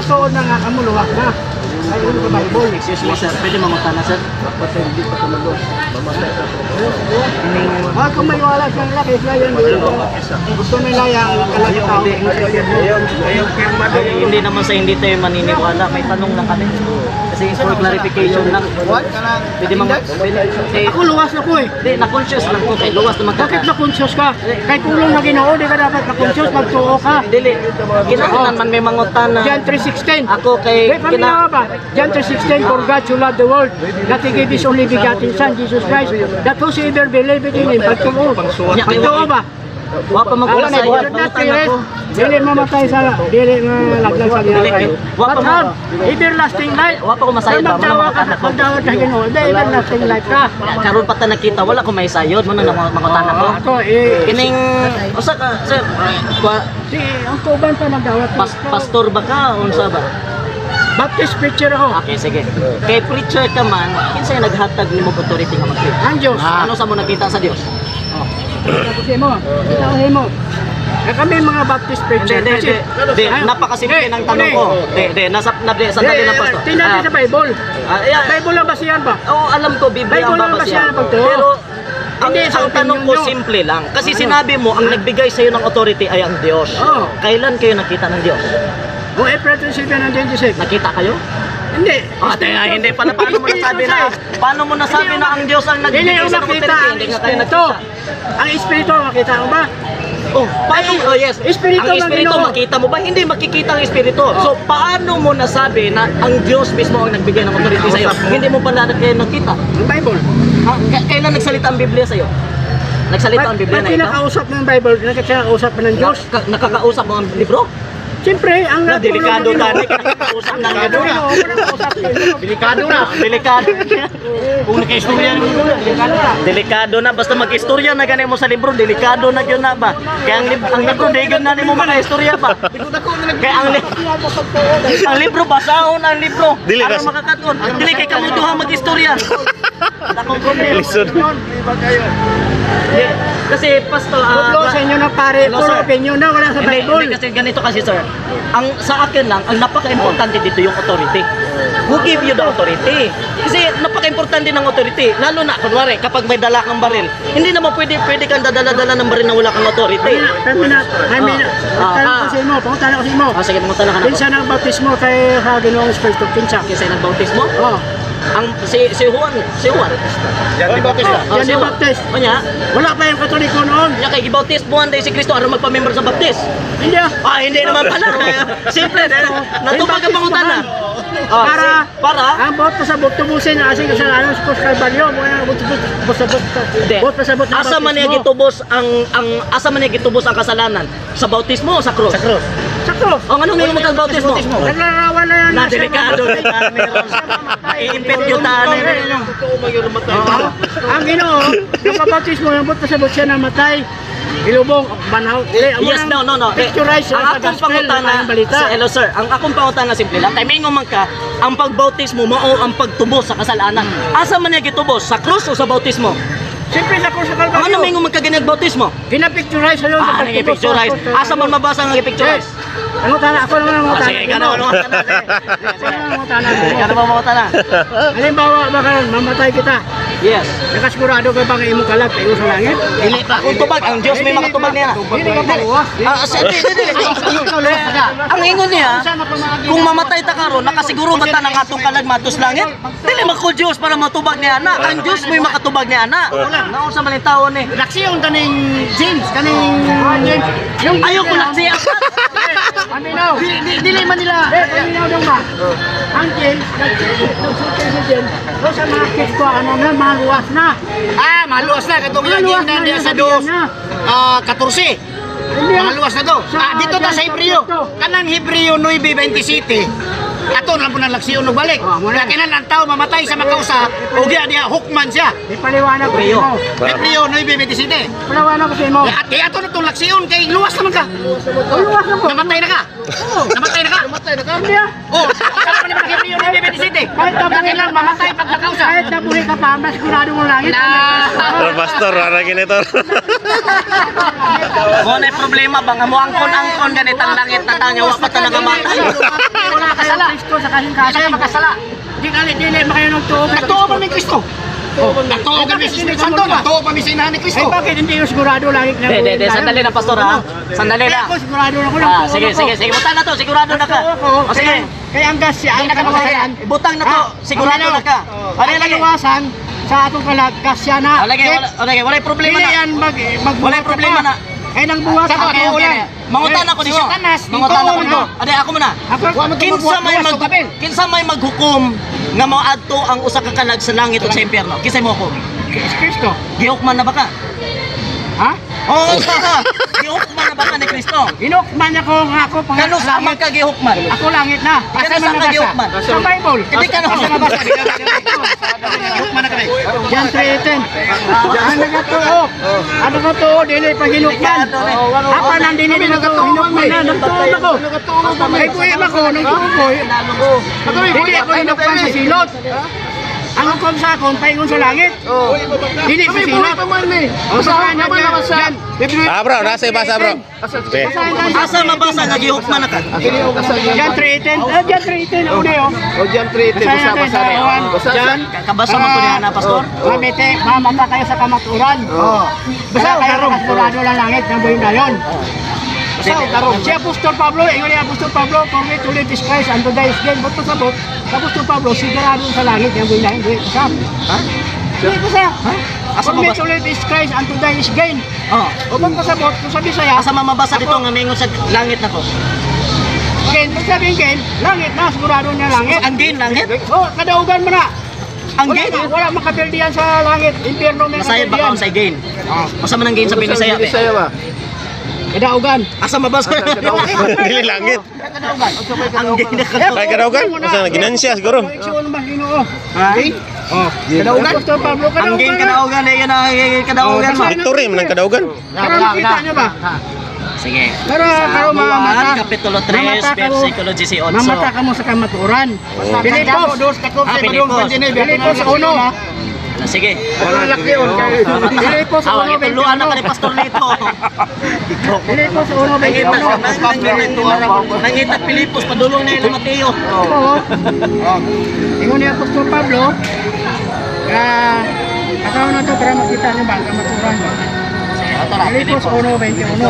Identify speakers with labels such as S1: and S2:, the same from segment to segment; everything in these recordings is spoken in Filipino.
S1: matuod na nga kamuluwak na. Ay, ano ka Bible?
S2: Excuse me, sir. Pwede mamata na, sir?
S3: Hindi pa tumulo. Mamatay ka po.
S1: Kung may wala siyang laki, yan. Gusto nila yung kalagitao.
S2: Hindi naman sa hindi tayo maniniwala. May tanong lang kami. Kasi for clarification lang. Pwede
S1: Ako luwas ako eh.
S2: Hindi, na-conscious lang ko. Kay luwas naman
S1: Bakit na-conscious ka? Kay kulong na Ginoo, di ka dapat na-conscious, magtuo ka.
S2: Dili. Kinakanan man may mangutan na.
S1: John 3:16.
S2: Ako kay
S1: Di, pamilya ba? John 3:16, for God so loved the world, that He gave His only begotten Son, Jesus Christ, that whosoever believe in Him, pagtuo. Pagtuo ba?
S2: Wa pa
S1: Wala
S2: magulang
S1: na,
S2: sa iyo.
S1: not period. Dili mamatay sa, dili malaglag sa ginakay.
S2: Wa pa
S1: But have everlasting life.
S2: Wa pa ko masayod ba?
S1: Magdawa ka, magdawa ka Ginoo, di everlasting life ka.
S2: Karon pa ta nakita wala ko may sayod mo na mangutan ako.
S1: Ako eh,
S2: Kining usa ka sir.
S1: ang tuban pa nagdawat.
S2: Pastor ba ka unsa ba?
S1: Baptist preacher ako.
S2: Okay, sige. Kay preacher ka man, kinsay naghatag nimo authority nga mag-preach?
S1: Ang Diyos.
S2: Ano sa mo nakita sa Dios?
S1: Tapos mo, itaw mo. Kami mga Baptist preacher.
S2: Di, napakasimple ng tanong ko. Di, sandali lang pastor.
S1: Tingnan sa Bible. Bible lang ba siyan ba?
S2: Oo, alam ko Biblia ang
S1: Bible lang ba
S2: babasihan.
S1: siya ang pagtuo?
S2: Pero
S1: Hindi, sa
S2: ang tanong ko
S1: opinion nyo.
S2: simple lang. Kasi sinabi mo, ang nagbigay sa iyo ng authority ay ang Diyos.
S1: Oo.
S2: Kailan kayo nakita ng Diyos?
S1: O April 27 ng 26.
S2: Nakita kayo?
S1: Hindi.
S2: Hindi pa na paano mo nasabi na paano mo nasabi na ang Diyos ang
S1: Hindi
S2: nagbigay
S1: yung
S2: sa ng
S1: makita
S2: authority?
S1: ang
S2: Hindi nga kayo
S1: Espiritu.
S2: nakita.
S1: Ang Espiritu, makita mo ba?
S2: Oh, paano? Oh, yes.
S1: Espiritu
S2: Ang
S1: ng
S2: Espiritu,
S1: Ginoo.
S2: makita mo ba? Hindi makikita ang Espiritu. So, paano mo nasabi na ang Diyos mismo ang nagbigay ng authority sa iyo? Hindi mo pa kayo nakita.
S1: Ang Bible.
S2: Kailan nagsalita ang Biblia sa iyo? Nagsalita ang Biblia na ito?
S1: Pinakausap ng Bible, nakakausap ng Diyos.
S2: Nakakausap mo ang libro?
S1: Siyempre, ang
S2: Delikado
S1: natulong
S2: na. Nakakausap ng libro.
S3: Delikado na.
S2: Delikado.
S3: Kung nakaistorya naman mo na, delikado na.
S2: Delikado na. Basta mag-istorya na ganun mo sa libro, delikado na yun na ba? Kaya ang libro, degan na mo maka-istorya ba? Kaya ang libro, basahon ang libro. Para makakatuon. Dili kay kamuduha mag-istorya. Dakong problema. Kasi pastor,
S1: Puro sa inyo na pare,
S2: Hello,
S1: puro
S2: sir.
S1: opinion na, wala sa
S2: Hindi
S1: Bible.
S2: kasi ganito kasi sir. Ang sa akin lang, ang napaka-importante dito yung authority. Who give you the authority? Kasi napaka-importante ng authority. Lalo na, kunwari, kapag may dala kang baril, hindi naman pwede kang dadala-dala ng baril na wala kang authority.
S1: Kami na, tanong ko sa imo, pangutan ko sa imo.
S2: Sige, mga tanong ka na.
S1: Pinsa ng baptismo kay sa Ginoong Espiritu, pinsa.
S2: Kasi nagbautismo?
S1: Oh,
S2: Si Juan.
S3: Yan di Bautista.
S1: Yan yung baptist.
S2: O niya,
S1: Wala pa yung katoliko noon.
S2: niya kay gibautismohan dahil si Kristo aron magpa-member sa baptist.
S1: Hindi ah.
S2: Hindi naman pala. Simple. Natupag ang pangutana. Para?
S1: Ang bot pasabot tubusin ang asing kasalanan sa Kalbaryo.
S2: Hindi.
S1: Bot pasabot ng
S2: Asa man niya gitubos ang kasalanan? Sa bautismo o sa krus?
S3: Sa cross.
S1: Sa cross.
S2: O ano may magkabautismo?
S1: Naglarawan na yan.
S2: Na delikado. Iimpit yung tanin.
S1: Ang Ginoo, napabautismo yung bot pasabot siya na matay. Ilubong, banhaw.
S2: Yes, no.
S1: Picturize
S2: Ang
S1: sa
S2: akong
S1: gospel,
S2: pangutana,
S1: ang balita.
S2: hello sir, ang akong pangutana simple lang, timing man ka, ang pagbautismo mao ang pagtubos sa kasalanan. Asa man niya gitubos? Sa krus o sa bautismo?
S1: Siyempre sa cross sa
S2: Ang ano
S1: Kalbaryo.
S2: may magkaganag bautismo?
S1: Pinapicturize sa yun sa
S2: Nag-picturize. Asa man mabasa ang i-picturize?
S1: Ano tana? Ako naman ang mga
S2: Sige, gano'n ang mga tanong. Gano'n ba mga tanong?
S1: Halimbawa ba karon mamatay kita.
S2: Yes.
S1: Nakasigurado ka bang imong kalag tayo sa langit?
S2: Dili pa. Kung tubag, ang Diyos may makatubag niya.
S1: Hindi ka maluwas.
S2: Ang ingon niya, kung mamatay ta karon, nakasiguro ba ta ng atong kalag matos langit? Dili man ko Diyos para matubag niya ana. Ang Diyos may makatubag niya ana. Naon sa maling tao ni.
S1: Laksiyon kaning James, kaning James. Yung
S2: Ayaw ko lang siya.
S1: Aminaw.
S2: Dili man nila.
S1: Aminaw dong ba? Ang James, nagsulti si James. So sa mga kids ko, ano na, maluwas na.
S3: Maluwas na. Katong
S1: Maluwas
S3: lagyan na diya
S1: yung
S3: sa
S1: sabihan
S3: dos.
S1: niya.
S3: 14.
S1: Hindi ah.
S3: Maluwas na to.
S1: Sa-
S3: Dito ta sa Hebreo. Kanang Hebreo 9:27. Ato na po ng laksiyon no balik.
S1: muna.
S3: Kaya kinan ang tao mamatay sa makausap. O diya hukman siya.
S1: Ipaliwanag ko sa mo.
S3: Hebreo 9:27.
S1: Ipaliwanag ko sa mo.
S3: At ato na tong laksiyon kay luwas naman ka.
S1: Maluwas na po.
S3: Namatay na ka. Namatay na ka.
S1: Hindi ah.
S3: Oh, Hebreo Nuibe 27.
S1: Kahit
S3: Bakit lang mamatay pag nakausa?
S1: Kahit nabuhay ka pa, mas sigurado mo langit.
S4: Pero pastor, ara ginito.
S2: Mo na problema ba nga mo angkon ganitang langit na tanga wa pa talaga matay.
S1: Wala kayo Kristo sa kasing
S3: Kasi
S1: kasing.
S3: makasala.
S1: Di makayo ng tuo.
S3: Nagtuo pa ni Kristo. Nagtuo kami sa Espiritu Santo. Nagtuo pa mi sa inahan ni
S1: Ay,
S3: Kristo.
S1: bakit hindi yung sigurado langit na buhay tayo?
S2: Sandali na pastor ha. Sandali
S1: Kaya
S2: na.
S1: ako, sigurado na ako ng
S2: Ah,
S1: tuo
S2: sige,
S1: ako.
S2: sige, sige. Butang na to, sigurado na ka. O sige.
S1: Kaya ang gas siya, ang kalawasan.
S2: Butang na to, sigurado na ka. Ano
S1: Ang
S2: lagi?
S1: kalawasan, sa atong kalag, gas siya na.
S2: Wala problema
S1: Dili
S2: na.
S1: yan
S2: Wala problema na.
S1: Ay, nang buwas.
S3: Sa
S1: ako
S3: totoo
S1: lang.
S3: lang.
S2: Mangutan ako
S3: Si
S2: ninyo.
S3: Satanas,
S2: Mangutan ako
S3: dito,
S2: ninyo. Ade ako muna. Kinsa may maghukom nga moadto ang usa ka kalag sa langit ug sa impyerno. Kinsa mo hukom?
S1: Kristo.
S2: Gihukman na ba ka?
S1: Ha?
S2: Oo, gihukman na ba ka ni Kristo?
S1: Inukman ako nga ako pang
S2: Kano sa man ka gihukman?
S1: Ako langit na.
S2: Kano sa ka gihukman?
S1: Sa Bible.
S2: Hindi ka
S1: Asa
S2: na
S1: nabasa?
S3: Hukman na kami.
S1: John 3:18. Ano nga to? Ano nga to? Dili pa hinukman. Apa nang dili na to? Hinukman na. Nagtuon ako. Ay kuya ako. Nagtuon ko. Dili ako hinukman sa silot. Ang hukom sa akon, paingon sa langit. Dili sa silot. O sa kanya dyan.
S4: Bro, nasa ibasa bro. Okay.
S2: Asa mabasa nga gihukman na ka?
S1: John 3:18. John 3:18. Uli o.
S3: Diyan 3
S1: Basa John.
S2: Kabasa man to niya na pastor.
S1: Mamete, mamata kayo sa kamaturan. Basta kayo kasurado lang langit ng buhay na yun. Si Apostol Pablo, ingon ni Apostol Pablo, for me to live is Christ and to die is gain. Ba't pasabot? Apostol Pablo, sigurado sa langit ng buhay na yun. Buhay pasab.
S2: Ha?
S1: Buhay pasab.
S2: Asa
S1: For me
S2: mabasa?
S1: to live is Christ and to die is gain.
S2: Oh.
S1: O ba't pasabot? Kung sabi saya,
S2: Asa mamabasa dito nga mingon sa langit na ko?
S1: gain. Pag sabihin gain, langit na, sigurado niya langit.
S2: Ang gain langit?
S1: O, kadaugan mo na.
S2: Ang gain?
S1: Wala makapildihan sa langit. Impyerno may
S2: Masayad ba ka
S1: kapildihan.
S2: sa gain? Asa man ang gain sa Binisaya?
S3: ba?
S1: Kadaugan.
S2: Asa mabasa?
S4: Dili langit.
S2: Ang gain na ka.
S4: Ay kadaugan. Masa ginansya siguro.
S1: Koleksyon ba Ginoo?
S2: Ha?
S1: Kadaugan. Apostol Pablo,
S2: Ang gain
S1: kadaugan.
S2: kadaugan eh yun ang kadaugan mo.
S4: Ito rin ng kadaugan.
S1: Pero makita niyo ba?
S2: Sige.
S1: Pero
S2: Juan,
S1: mamata.
S2: Kapitulo 3,
S1: Mamata ka mo.
S2: versikulo 18.
S1: Mamata ka mo sa kamaturan. Pilipos.
S2: Pilipos.
S1: Pilipos 1.
S2: Sige.
S3: Laki yun.
S1: Pilipos
S2: Awag
S1: 1.
S2: ituluan na ka ni Pastor Lito.
S1: Pilipos 1.
S2: Nangita Pilipos, padulong na ilang Mateo.
S1: Oo. Ingon ni Apostol Pablo. Kataon na to para makita niyo ba ang kamaturan. Pilipos 1:21.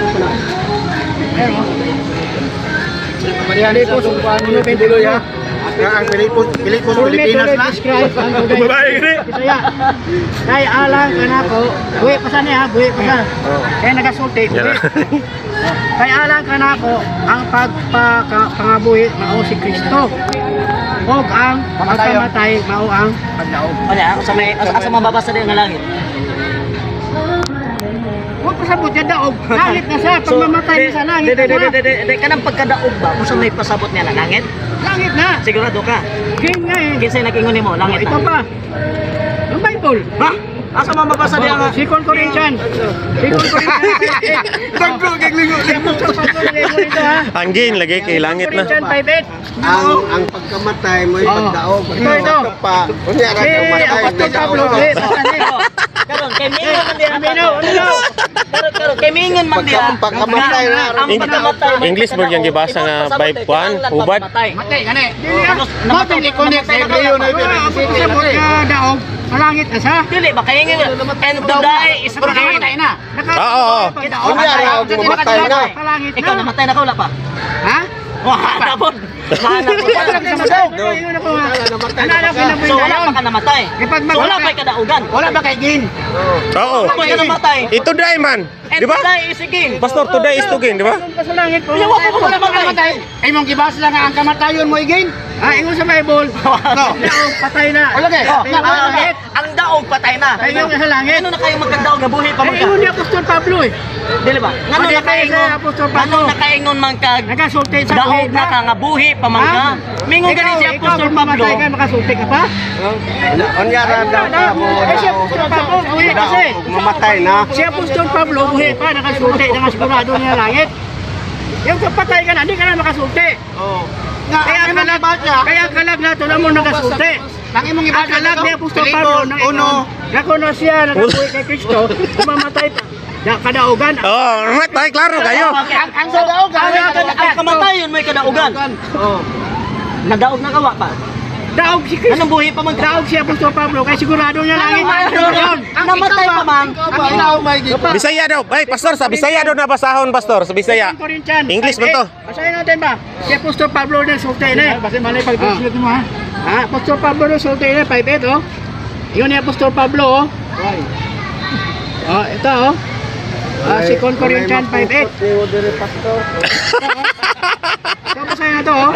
S1: Pero Pilipos 1:21.
S3: Ang Pilipos,
S1: Pilipinas na. Bisaya. Kay alang kanako, buhi pa sa niya, buhi pa sa. Kaya nagasulti, buhi. Kay alang kanako, ang pagpangabuhi mao si Kristo. Og ang pagkamatay mao ang pagdaog.
S2: Wala, asa mababasa din nga langit.
S1: Huwag pasabot niya daog. Langit na siya, pag mamatay niya sa langit na siya.
S2: Kanang pagkadaog ba? Kung saan may pasabot niya na langit?
S1: Langit na.
S2: Sigurado ka.
S1: Game nga eh.
S2: Kinsay nag-ingon mo, langit
S1: Ito
S2: na.
S1: pa. Ang Bible.
S2: Ha? Asa mababasa din nga?
S1: 2 Corinthians. 2 Corinthians. Bagro kay lingo.
S4: Ang gain lagi kay langit na.
S1: Corinthians 5:8.
S3: ang pagkamatay mo ay pagdaog.
S1: Ito.
S3: Pa. Kunya ra kang matay.
S1: Apostol Pablo.
S2: Karon kay mingon man diha.
S1: Amino.
S2: Karon kay mingon man diha.
S3: Pagkamatay na.
S2: Ang pagkamatay.
S4: English mo yung gibasa nga by Juan, ubad.
S1: Matay gani. Matay ni connect sa Hebreo na daog. Malangit na siya.
S2: Dili ba kay ngin and to die is gain.
S1: na.
S4: Oo.
S3: Kunya ra kang matay na.
S1: Malangit
S2: Ikaw
S1: na.
S2: namatay na ka wala pa.
S1: Ha?
S2: Wala na po. Wala po. So wala pa ka namatay. So wala pa ka daugan.
S1: Wala ba kay Gin?
S4: Oo.
S2: Wala pa ka namatay.
S4: Ito die man.
S2: And
S4: Di ba?
S2: to die is again.
S4: Pastor today is to gain, di ba?
S1: Sa langit po.
S2: Wala pa namatay.
S1: Ay mong gibas lang ang kamatayon mo igin. Ingon sa Bible. Daog patay na. Wala kay.
S2: Ang daog patay na.
S1: Ay yung sa langit.
S2: Ano na kayo magkandaog na buhay pa man ka?
S1: Ingon ni Apostol Pablo eh.
S2: Dili ba? Ngano
S1: Pwede
S2: na kaingon?
S1: kayo sa Apostol Pablo.
S2: Ngano na kaingon man kag
S1: Nagasulti sa
S2: daog na ka nga buhi pa man ka? Mingon gani si Apostol Pablo.
S1: Ikaw kung makasulti ka pa?
S3: Kunya ra daw mo.
S1: Si Apostol Pablo buhi kasi.
S3: Mamatay na.
S1: Si Apostol Pablo buhi pa, nakasulti, nakasigurado niya langit. Yung kapatay ka na, hindi ka na makasulti.
S3: nga
S1: Kaya kalag na ito na mo nagasulti.
S3: nang imong
S1: Ang
S3: ibasa
S1: kalag ni Apostol Pablo na
S3: uno.
S1: nakuno siya, nagabuhi kay Kristo, kumamatay pa. Kadaugan.
S4: Oh, matay klaro kayo.
S3: Ang sadaugan.
S2: Ang kamatayon may kadaugan.
S1: Oh.
S2: Nadaog na kawa pa.
S1: Daog si Kristo.
S2: Anong buhi pa man
S1: Daog si Apostol Pablo, kaya sigurado niya langit.
S2: Namatay pa man.
S3: Ang ikaw may
S4: Bisaya daw. Ay, pastor, sa Bisaya daw na basahon, pastor, sa Bisaya. English man to.
S1: Basahin natin ba? Si Apostol Pablo na sulti na. Basahin malay pag-translate mo ha. Apostol Pablo na sulti na 5:8 oh. Yun ni Apostol Pablo oh. Oh, ito oh. 2 Corinthians 5:8. Ito basahin na to oh.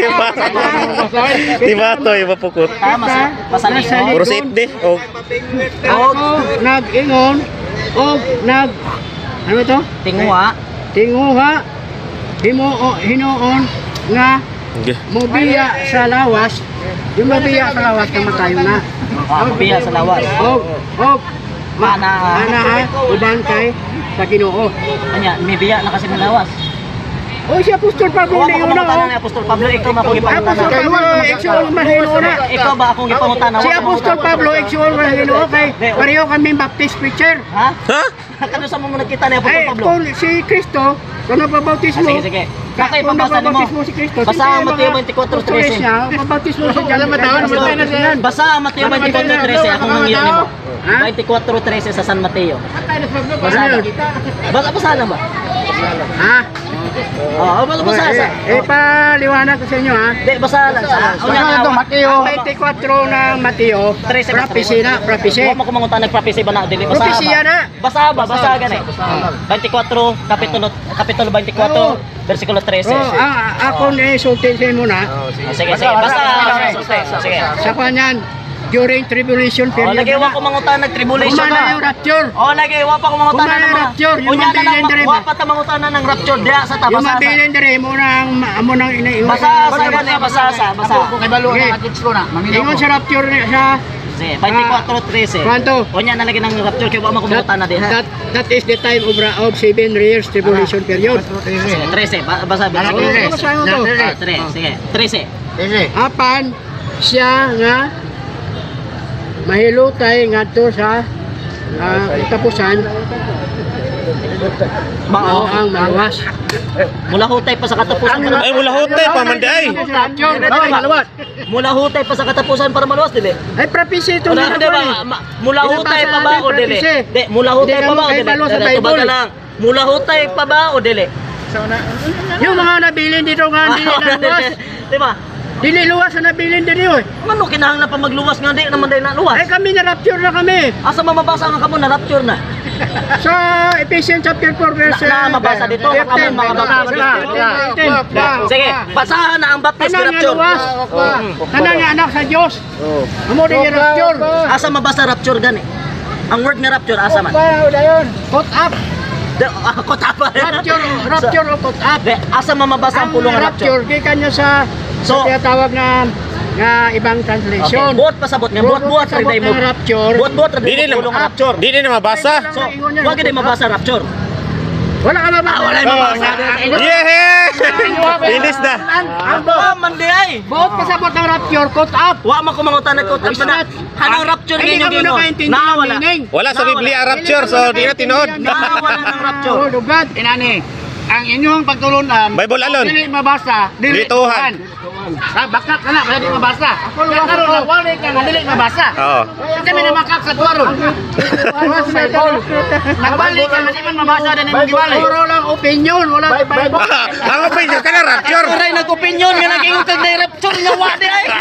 S4: Diba to, iba pukot.
S2: Masalig mo.
S4: Puro safety. Oh.
S1: Ako nag-ingon og ano to?
S2: Tingwa.
S1: Tinguha hinuon nga mobiya sa lawas. Yung mobiya sa lawas kamatayon na.
S2: Biya sa lawas.
S1: Og
S2: Mana.
S1: uban kay sa Ginoo.
S2: Anya, may biya na kasi may lawas.
S1: O si Apostol Pablo
S2: Wa
S1: na
S2: ko
S1: yun
S2: mangutana ni
S1: na.
S2: Apostol Pablo, ikaw ba akong ipangutana?
S1: Apostol Pablo, iksuon mahino na.
S2: Ikaw ba akong ipangutana?
S1: Si Apostol Pablo, iksuon mahino kay pareho kami Baptist preacher.
S2: Ha?
S4: Ha?
S2: Kano sa mo nakita ni Apostol
S1: Ay,
S2: Pablo?
S1: kung si Kristo, kung nababautismo,
S2: Sige, sige. Kakay pabasa mo.
S1: nababautismo si Kristo,
S2: Basa ang Mateo 24:13.
S1: Mabautismo siya dyan. Namatay na siya.
S2: Basa ang Mateo 24:13, akong nangiyan nimo.
S1: Ha?
S2: 24:13 sa San Mateo. Basa
S1: Ano
S2: na.
S1: yun?
S2: Basa na ba?
S1: Ha?
S2: Oo, basa sa.
S1: Paliwanag ko sa inyo ha.
S2: Di, basa lang sa.
S3: Unya na to Mateo.
S1: 24 ng Mateo,
S2: 13.
S1: prophecy na, prophecy.
S2: Huwag mo kumangutana ng prophecy ba na dili basa
S1: Prophecy
S2: ba?
S1: na.
S2: Basa ba? Basa gani. 24 kapitulo 24 versikulo 13.
S1: Ako na isultin sa inyo na,
S2: Sige, sige. Basa. Sige.
S1: sa kanyan, during tribulation
S2: Oh,
S1: period
S2: lagi wa ko
S1: na.
S2: mangutana ng tribulation
S1: Kumana yung
S2: na.
S1: rapture.
S2: Oh, lagi wa pa ko mangutana
S1: Kumana
S2: ng mga.
S1: rapture, yung
S2: Unya na
S1: mabilin
S2: lang
S1: diri
S2: wa
S1: ba?
S2: pa ta mangutana ng rapture diha sa
S1: Yung
S2: tabasa.
S1: mabilin dere mo nang inaiwan.
S2: Basa sa gani basa.
S3: Kay balo
S1: Okay.
S3: na agits ko na. Maminaw
S1: Ingon
S3: ko.
S1: sa rapture sa
S2: Sige, 24:13.
S1: Kwanto?
S2: Unya na lagi ng rapture kay wa man ko mangutana diha.
S1: that is the time of 7 years tribulation period.
S2: Sige, 13. Basa.
S3: Basa,
S1: Ano
S3: Trece.
S1: basahin mo to?
S2: Sige. 13.
S3: Sige.
S1: Apan siya nga mahilutay ngadto sa tapusan mao ang maluwas.
S2: Mula hutay pa sa katapusan para
S4: Ay, mula hotay pa man day.
S1: Maluwas.
S2: mula hutay pa sa katapusan para maluwas dili.
S1: Ay prophecy ito
S2: Mula
S1: na
S2: di ba? Mula hutay pa ba o dili? Di, mula hutay pa ba o dili? Tubaga lang. Mula hutay pa ba o dili?
S1: Yung mga nabilin dito nga dili luwas.
S2: Di ba?
S1: Dili luwas na nabilin dito eh.
S2: Ano kinahanglan pa magluwas nga di naman dahil na
S1: Ay
S2: luwas?
S1: kami na rapture na kami.
S2: Asa mamabasa nga kamo na rapture na?
S1: Sa Ephesians chapter 4 verse
S2: Na mabasa dito nga kamo mga baptist. Sige, basahan na ang baptist
S1: Tanan nga
S2: rapture.
S1: luwas. Tanan nga anak sa Dios. Amo din yung rapture.
S2: Asa mabasa rapture gani? Ang word nga rapture asa man?
S1: Caught up.
S2: Ako tapa.
S1: Rapture o caught up.
S2: Asa mamabasa ang pulong nga rapture?
S1: Rapture kay kanya sa
S2: So-
S1: tinatawag na ibang
S2: Okay,
S1: translation.
S2: buot pasabot nga, buot ra day mo.
S1: Rapture.
S2: Buot ra
S4: Di
S2: day
S4: din
S2: mo pulong nga rapture.
S4: Di din na mabasa.
S2: So, wag gid mabasa rapture.
S1: Wala ka mabasa.
S2: Wala mabasa.
S4: Yeah! Finish na.
S1: Ang
S2: Ah, mandi ay.
S1: buot pasabot ng rapture caught up.
S2: Wa man ko mangutan nagkot up na. Hanang rapture
S1: Hindi
S2: ninyo
S1: ka mo
S2: gino.
S1: nakaintindi ng
S2: Nawala.
S1: meaning.
S4: Wala sa Biblia rapture, so di na tinood.
S2: Nawala ng rapture.
S1: Oh, lugad.
S3: Inani, ang inyong pagtulunan,
S4: Bible alon.
S3: dili mabasa, dili
S4: Dituhan.
S3: Bakit ka na, kaya di mabasa. Kaya karon na, wala ka na, dili mabasa.
S4: Oo.
S3: Kami na makak sa tuwaron. Nagbalik ka na, di man mabasa din yung giwalay.
S1: Puro lang opinion, wala sa Bible.
S4: Ang opinion ka na rapture.
S2: Aray nag-opinion nga naging kag na rapture nga wa di ay.